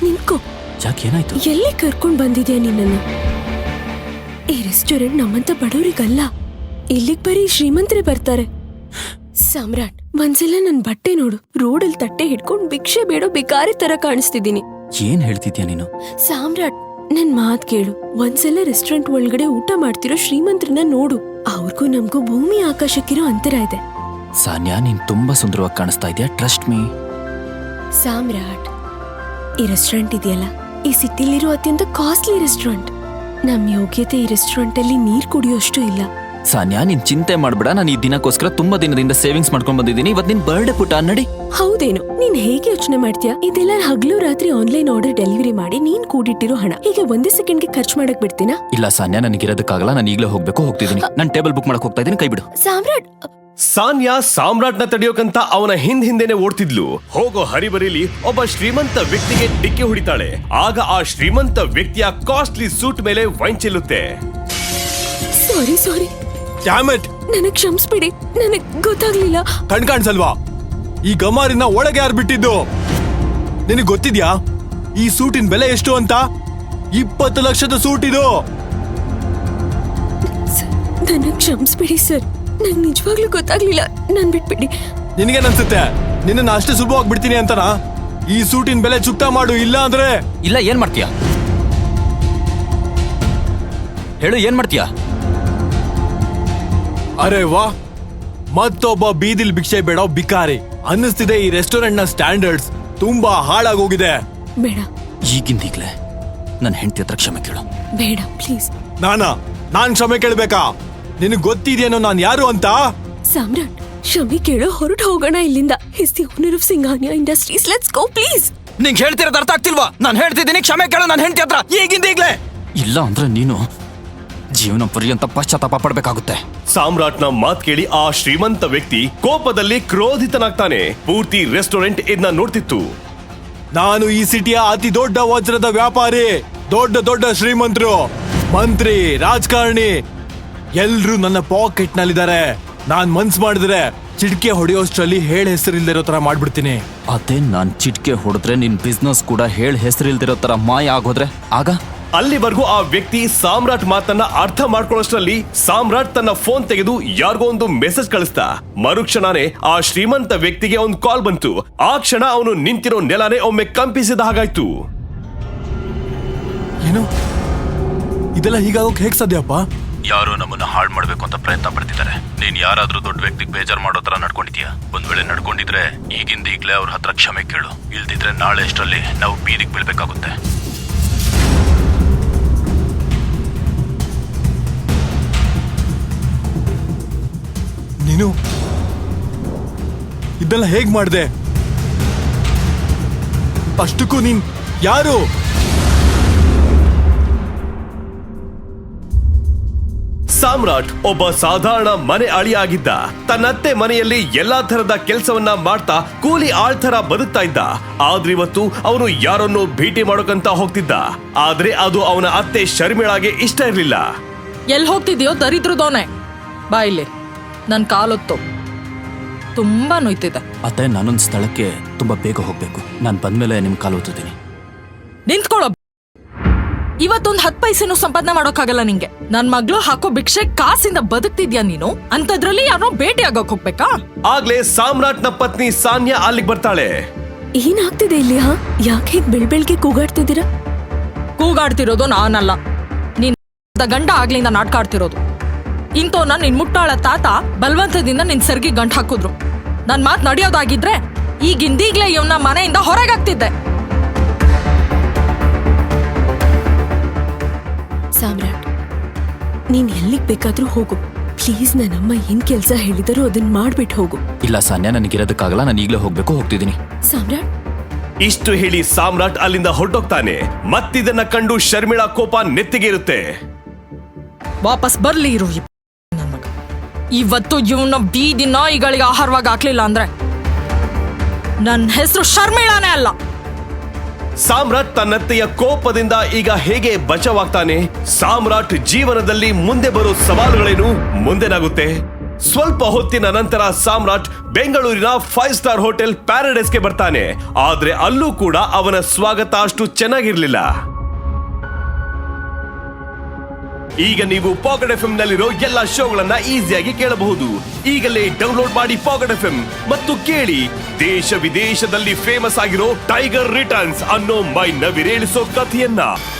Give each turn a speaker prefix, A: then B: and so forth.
A: ನಿಂತ್ಕೋ.
B: ಯಾಕೆ ಏನಾಯ್ತು?
A: ಎಲ್ಲಿ ಕರ್ಕೊಂಡ್ ಬಂದಿದ್ಯಾ ನಿನ್ನನ್ನು? ಈ ರೆಸ್ಟೋರೆಂಟ್ ನಮ್ಮಂತ ಬಡವರಿಗಲ್ಲ. ಇಲ್ಲಿಗ್ ಬರೀ ಶ್ರೀಮಂತರೇ ಬರ್ತಾರೆ. ಸಾಮ್ರಾಟ್, ಒಂದ್ಸಲ ನನ್ ಬಟ್ಟೆ ನೋಡು. ರೋಡಲ್ಲಿ ತಟ್ಟೆ ಹಿಡ್ಕೊಂಡ್ ಭಿಕ್ಷೆ ಬೇಡೋ ಭಿಕಾರಿ ತರ ಕಾಣಿಸ್ತಿದ್ದೀನಿ.
B: ಏನ್ ಹೇಳ್ತಿದ್ಯಾ ನೀನು?
A: ಸಾಮ್ರಾಟ್, ನನ್ ಮಾತ್ ಕೇಳು. ಒಂದ್ಸಲ ರೆಸ್ಟೋರೆಂಟ್ ಒಳಗಡೆ ಊಟ ಮಾಡ್ತಿರೋ ಶ್ರೀಮಂತ್ರನ್ನ ನೋಡು. ಅವ್ರಿಗೂ ನಮ್ಗೂ ಭೂಮಿ ಆಕಾಶಕ್ಕಿರೋ ಅಂತರ ಇದೆ.
B: ಸಾನ್ಯಾ, ನೀನ್ ತುಂಬಾ ಸುಂದರವಾಗಿ ಕಾಣಿಸ್ತಾ ಇದೆಯಾ. Trust me.
A: ಸಾಮ್ರಾಟ್, ಈ ರೆಸ್ಟೋರೆಂಟ್ ಇದೆಯಲ್ಲ, ಈ ಸಿಟಿಲಿರೋ ಅತ್ಯಂತ ಕಾಸ್ಟ್ಲಿ ರೆಸ್ಟೋರೆಂಟ್. ನಮ್ ಯೋಗ್ಯತೆ ಈ ರೆಸ್ಟೋರೆಂಟ್ ಅಲ್ಲಿ ನೀರ್ ಕುಡಿಯೋಷ್ಟು ಇಲ್ಲ.
B: ಸಾನ್ಯಾ, ನೀನ್ ಚಿಂತೆ ಮಾಡ್ಬೇಡ. ನಾನು ಈ ದಿನಕ್ಕೋಸ್ಕರ ತುಂಬಾ ದಿನದಿಂದ ಸೇವಿಂಗ್ಸ್ ಮಾಡ್ಕೊಂಡ್ ಬಂದಿದ್ದೀನಿ. ಇವತ್ತು ನಿನ್ ಬರ್ಡೇ ಪುಟ ನಡಿ.
A: ಹೌದೇನು? ನೀನ್ ಹೇಗೆ ಯೋಚನೆ ಮಾಡ್ತೀಯಾ? ಇದೆಲ್ಲ ಹಗಲು ರಾತ್ರಿ ಆನ್ಲೈನ್ ಆರ್ಡರ್ ಡೆಲಿವರಿ ಮಾಡಿ ನೀನ್ ಕೂಡಿಟ್ಟಿರೋ ಹಣ ಹೀಗೆ ಒಂದೇ ಸೆಕೆಂಡ್ಗೆ ಖರ್ಚು ಮಾಡಕ್ ಬಿಡ್ತೀನಾ?
B: ಇಲ್ಲ ಸಾನ್ಯಾ, ನನಗಿರೋದಕ್ಕಾಗಲ್ಲ. ನಾನು ಈಗಲೇ ಹೋಗ್ತಿದ್ದೀನಿ. ನಾನು ಟೇಬಲ್ ಬುಕ್ ಮಾಡಕ್ ಹೋಗ್ತಾ ಇದ್ದೀನಿ. ಕೈ ಬಿಡು.
A: ಸಾಮ್ರಾಟ್.
C: ಸಾನ್ಯಾ ಸಾಮ್ರಾಟ್ನ ತಡೆಯೋಕಂತ ಅವನ ಹಿಂದೆನೆ ಓಡ್ತಿದ್ಲು. ಹೋಗೋ ಹರಿಬರಿಲಿ ಒಬ್ಬ ಶ್ರೀಮಂತ ವ್ಯಕ್ತಿಗೆ ಡಿಕ್ಕಿ ಹೊಡಿತಾಳೆ. ಆಗ ಆ ಶ್ರೀಮಂತ ವ್ಯಕ್ತಿಯ ಕಾಸ್ಟ್ಲಿ ಸೂಟ್ ಮೇಲೆ ವೈನ್ ಚೆಲ್ಲುತ್ತೆ.
A: ಸಾರಿ,
D: ಡ್ಯಾಮೆಟ್,
A: ನನಗ್ ಕ್ಷಮಿಸ್ಬಿಡಿ. ನನಗ್ ಗೊತ್ತಾಗ್ಲಿಲ್ಲ.
D: ಕಾಣಿಸಲ್ವಾ? ಈ ಗಮಾರಿನ ಒಳಗೆ ಯಾರು ಬಿಟ್ಟಿದ್ದು? ನಿನಗೆ ಗೊತ್ತಿದ್ಯಾ ಈ ಸೂಟಿನ ಬೆಲೆ ಎಷ್ಟು ಅಂತ? 20 ಲಕ್ಷದ ಸೂಟ್ ಇದು.
A: ನನಗ್ ಕ್ಷಮಿಸ್ಬಿಡಿ ಸರ್. ನಂಗೆ ನಿಜವಾಗ್ಲೂ ಗೊತ್ತಾಗ್ಲಿಲ್ಲ. ನನ್ ಬಿಟ್ಬಿಡಿ.
D: ನಿನಗೇನನ್ಸುತ್ತೆ ನಿನ್ನ ಅಷ್ಟೇ ಸುಲಭವಾಗಿ ಬಿಡ್ತೀನಿ ಅಂತನಾ? ಈ ಸೂಟಿನ ಬೆಲೆ ಚುಕ್ತಾ ಮಾಡು, ಇಲ್ಲ ಅಂದ್ರೆ.
B: ಇಲ್ಲ, ಏನ್ ಮಾಡ್ತೀಯಾ ಹೇಳು? ಏನ್ ಮಾಡ್ತೀಯಾ?
D: ಅರೆ ವಾ, ಮತ್ತೊಬ್ಬ ಬೀದಿಲ್ ಭಿಕ್ಷೆ ಬೇಡೋ ಬಿಕಾರಿ. ಅನ್ನಿಸ್ತಿದೆ ಈ ರೆಸ್ಟೋರೆಂಟ್ ನ ಸ್ಟ್ಯಾಂಡರ್ಡ್ಸ್ ತುಂಬಾ ಹಾಳಾಗೋಗಿದೆ.
A: ಬೇಡ,
B: ಈಗಿಂದೀಗ್ಲೇ ನನ್ನ ಹೆಂಡತಿ ಹತ್ರ ಕ್ಷಮೆ ಕೇಳು.
A: ಬೇಡ ಪ್ಲೀಸ್.
D: ನಾನ್ ಕ್ಷಮೆ ಕೇಳ್ಬೇಕಾ? ನಿನಗ್ ಗೊತ್ತಿದೆಯೇನೋ ನಾನ್ ಯಾರು ಅಂತ?
A: ಸಾಮ್ರಾಟ್, ಕ್ಷಮೆ ಕೇಳೋ, ಹೊರಟು ಹೋಗೋಣ ಇಲ್ಲಿಂದ. Is the owner of Singhania industries. Let's go please.
B: ನಿಂಗೆ ಹೇಳ್ತಿರೋದು ಅರ್ಥ ಆಗ್ತಿಲ್ವಾ? ನಾನು ಹೇಳ್ತಿದ್ದೀನಿ, ಕ್ಷಮೆ ಕೇಳು ನನ್ನ ಹೆಂಡತಿ ಹತ್ರ ಈಗಿಂದೀಗ್ಲೇ. ಇಲ್ಲ ಅಂದ್ರೆ ನೀನು ಜೀವನ ಪರ್ಯಂತ ಪಶ್ಚಾತ್ತಾಪ ಪಡ್ಬೇಕಾಗುತ್ತೆ.
C: ಸಾಮ್ರಾಟ್ನ ಮಾತ್ ಕೇಳಿ ಆ ಶ್ರೀಮಂತ ವ್ಯಕ್ತಿ ಕೋಪದಲ್ಲಿ ಕ್ರೋಧಿತನಾಗ್ತಾನೆ. ಪೂರ್ತಿ ರೆಸ್ಟೋರೆಂಟ್ ಇದನ್ನ ನೋಡ್ತಿತ್ತು.
D: ನಾನು ಈ ಸಿಟಿಯ ಅತಿ ದೊಡ್ಡ ವಜ್ರದ ವ್ಯಾಪಾರಿ. ದೊಡ್ಡ ಶ್ರೀಮಂತರು, ಮಂತ್ರಿ, ರಾಜಕಾರಣಿ ಎಲ್ರೂ ನನ್ನ ಪಾಕೆಟ್ ನಲ್ಲಿದ್ದಾರೆ. ನಾನ್ ಮನ್ಸ್ ಮಾಡಿದ್ರೆ ಚಿಟ್ಕೆ ಹೊಡೆಯೋಷ್ಟ್ರಲ್ಲಿ ಹೇಳ್ ಹೆಸರಿಲ್ದಿರೋ ತರ ಮಾಡ್ಬಿಡ್ತೀನಿ.
B: ಅದೇ ನಾನ್ ಚಿಟ್ಕೆ ಹೊಡೆದ್ರೆ ನಿನ್ ಬಿಸ್ನೆಸ್ ಕೂಡ ಹೇಳ್ ಹೆಸರಿಲ್ದಿರೋ ತರ ಮಾಯ ಆಗೋದ್ರೆ ಆಗ?
C: ಅಲ್ಲಿವರೆಗೂ ಆ ವ್ಯಕ್ತಿ ಸಾಮ್ರಾಟ್ ಮಾತನ್ನ ಅರ್ಥ ಮಾಡ್ಕೊಳ್ಳೋಷ್ಟ್ರಲ್ಲಿ ಸಾಮ್ರಾಟ್ ತನ್ನ ಫೋನ್ ತೆಗೆದು ಯಾರಿಗೋ ಒಂದು ಮೆಸೇಜ್ ಕಳಿಸ್ತಾ. ಮರುಕ್ಷಣನೇ ಆ ಶ್ರೀಮಂತ ವ್ಯಕ್ತಿಗೆ ಒಂದು ಕಾಲ್ ಬಂತು. ಆ ಕ್ಷಣ ಅವನು ನಿಂತಿರೋ ನೆಲನೇ ಒಮ್ಮೆ ಕಂಪಿಸಿದ ಹಾಗಾಯ್ತು.
D: ಏನು ಇದೆಲ್ಲ ಹೀಗಾಗೋಕ್ ಹೇಗ್ ಸಾಧ್ಯಪ್ಪ?
B: ಯಾರೋ ನಮ್ಮನ್ನ ಹಾಳು ಮಾಡ್ಬೇಕು ಅಂತ ಪ್ರಯತ್ನ ಪಡ್ತಿದ್ದಾರೆ. ನೀನ್ ಯಾರಾದ್ರೂ ದೊಡ್ಡ ವ್ಯಕ್ತಿಗೆ ಬೇಜಾರ್ ಮಾಡೋ ತರ ನಡ್ಕೊಂಡಿದ್ಯಾ? ಒಂದ್ ವೇಳೆ ನಡ್ಕೊಂಡಿದ್ರೆ ಈಗಿಂದೀಗ್ಲೇ ಅವ್ರ ಹತ್ರ ಕ್ಷಮೆ ಕೇಳು. ಇಲ್ದಿದ್ರೆ ನಾಳೆ ಅಷ್ಟರಲ್ಲಿ ನಾವು ಬೀದಿಗೆ ಬೀಳ್ಬೇಕಾಗುತ್ತೆ.
D: ನೀನು ಇದೆಲ್ಲ ಹೇಗ್ ಮಾಡ್ದೆ? ಅಷ್ಟಕ್ಕೂ ನೀನ್ ಯಾರು?
C: ಸಾಮ್ರಾಟ್ ಒಬ್ಬ ಸಾಧಾರಣ ಮನೆ ಅಳಿಯಾಗಿದ್ದ. ತನ್ನತ್ತೆ ಮನೆಯಲ್ಲಿ ಎಲ್ಲಾ ತರದ ಕೆಲಸವನ್ನ ಮಾಡ್ತಾ ಕೂಲಿ ಆಳ್ತರ ಬದುಕ್ತಾ ಇದ್ದ. ಆದ್ರೆ ಇವತ್ತು ಅವನು ಯಾರನ್ನೋ ಭೇಟಿ ಮಾಡೋಕಂತ ಹೋಗ್ತಿದ್ದ. ಆದ್ರೆ ಅದು ಅವನ ಅತ್ತೆ ಶರ್ಮಿಳಾಗೆ ಇಷ್ಟ ಇರ್ಲಿಲ್ಲ.
E: ಎಲ್ಲಿ ಹೋಗ್ತಿದ್ಯೋ ದರಿದ್ರದೋನೆ? ಬಾ ಇಲ್ಲಿ, ನನ್ ಕಾಲೊತ್ತು ತುಂಬಾ ನೋಯ್ತಿದೆ.
B: ಅತ್ತೆ, ನಾನೊಂದ್ ಸ್ಥಳಕ್ಕೆ ತುಂಬಾ ಬೇಗ ಹೋಗ್ಬೇಕು. ನಾನ್ ಬಂದ್ಮೇಲೆ ನಿಮ್ ಕಾಲು ಓದ್ತೀನಿ.
E: ನಿಂತ್ಕೊಳ್ಳೋ. ಇವತ್ತೊಂದ್ 10 ಪೈಸೆನೂ ಸಂಪಾದನೆ ಮಾಡೋಕ್ಕಾಗಲ್ಲ ನಿಂಗೆ. ನನ್ ಮಗ್ಳು ಹಾಕೋ ಭಿಕ್ಷೆ ಕಾಸಿಂದ ಬದುಕ್ತಿದ್ಯಾ ನೀನು? ಅಂತದ್ರಲ್ಲಿ ಯಾರೋ ಭೇಟಿ ಆಗಕ್ ಹೋಗ್ಬೇಕಾ?
C: ಆಗ್ಲೇ ಸಾಮ್ರಾಟ್ನ ಪತ್ನಿ ಸಾನ್ಯಾ ಅಲ್ಲಿಗೆ ಬರ್ತಾಳೆ.
A: ಏನಾಗ್ತಿದೆ ಇಲ್ಲಿ? ಯಾಕೆ ಹೀಗ್ ಬೆಳ್ಬೆಳ್ಗೆ ಕೂಗಾಡ್ತಿದ್ದೀರಾ?
E: ಕೂಗಾಡ್ತಿರೋದು ನಾನಲ್ಲ, ನೀನ್ ಗಂಡ ಆಗ್ಲಿಂದ ನಾಟಕ ಆಡ್ತಿರೋದು. ಇಂತೋನ ನಿನ್ ಮುಟ್ಟಾಳ ತಾತ ಬಲವಂತದಿಂದ ನಿನ್ ಸೆರ್ಗಿ ಗಂಟ್ ಹಾಕಿದ್ರು. ನನ್ ಮಾತ್ ನಡೆಯೋದಾಗಿದ್ರೆ ಈಗಿಂದೀಗ್ಲೇ ಇವನ್ನ ಮನೆಯಿಂದ ಹೊರಗಾಗ್ತಿದ್ದೆ.
A: ಸಾಮ್ರಾಟ್, ನೀನ್ ಎಲ್ಲಿಗ್ ಬೇಕಾದ್ರೂ ಹೋಗು. ಪ್ಲೀಸ್, ನನ್ನಮ್ಮ ಏನ್ ಕೆಲ್ಸ ಹೇಳಿದರೂ ಅದನ್ನ ಮಾಡ್ಬಿಟ್ಟು ಹೋಗು.
B: ಇಲ್ಲ ಸಾನ್ಯಾ, ನನಗಿರೋದಕ್ಕಾಗಲ್ಲ. ನಾನು ಈಗಲೇ ಹೋಗ್ಬೇಕು.
A: ಸಾಮ್ರಾಟ್.
C: ಇಷ್ಟು ಹೇಳಿ ಸಾಮ್ರಾಟ್ ಅಲ್ಲಿಂದ ಹೊರಟೋಗ್ತಾನೆ. ಮತ್ತಿದನ್ನ ಕಂಡು ಶರ್ಮಿಳಾ ಕೋಪ ನೆತ್ತಿಗೆ ಇರುತ್ತೆ.
E: ವಾಪಸ್ ಬರ್ಲಿ ಇರು. ಇವತ್ತು ಇವನ ಬೀದಿ ನಾಯಿಗಳಿಗೆ ಆಹಾರವಾಗಿ ಹಾಕ್ಲಿಲ್ಲ ಅಂದ್ರೆ ನನ್ನ ಹೆಸರು ಶರ್ಮಿಳಾನೇ ಅಲ್ಲ.
C: ಸಾಮ್ರಾಟ್ ತನ್ನತ್ತೆಯ ಕೋಪದಿಂದ ಈಗ ಹೇಗೆ ಬಚಾವಾಗ್ತಾನೆ? ಸಾಮ್ರಾಟ್ ಜೀವನದಲ್ಲಿ ಮುಂದೆ ಬರೋ ಸವಾಲುಗಳೇನು? ಮುಂದೆನಾಗುತ್ತೆ? ಸ್ವಲ್ಪ ಹೊತ್ತಿನ ನಂತರ ಸಾಮ್ರಾಟ್ ಬೆಂಗಳೂರಿನ 5 ಸ್ಟಾರ್ ಹೋಟೆಲ್ ಪ್ಯಾರಡೈಸ್ಗೆ ಬರ್ತಾನೆ. ಆದ್ರೆ ಅಲ್ಲೂ ಕೂಡ ಅವನ ಸ್ವಾಗತ ಅಷ್ಟು ಚೆನ್ನಾಗಿರ್ಲಿಲ್ಲ. ಈಗ ನೀವು ಪಾಕೆಟ್ ಎಫ್ಎಂ ನಲ್ಲಿರೋ ಎಲ್ಲಾ ಶೋಗಳನ್ನ ಈಸಿಯಾಗಿ ಕೇಳಬಹುದು. ಈಗಲೇ ಡೌನ್ಲೋಡ್ ಮಾಡಿ ಪಾಕೆಟ್ ಎಫ್ಎಂ ಮತ್ತು ಕೇಳಿ ದೇಶ ವಿದೇಶದಲ್ಲಿ ಫೇಮಸ್ ಆಗಿರೋ ಟೈಗರ್ ರಿಟರ್ನ್ಸ್ ಅನ್ನೋ ಮೈ ನವಿರೇಳಿಸೋ ಕಥೆಯನ್ನ.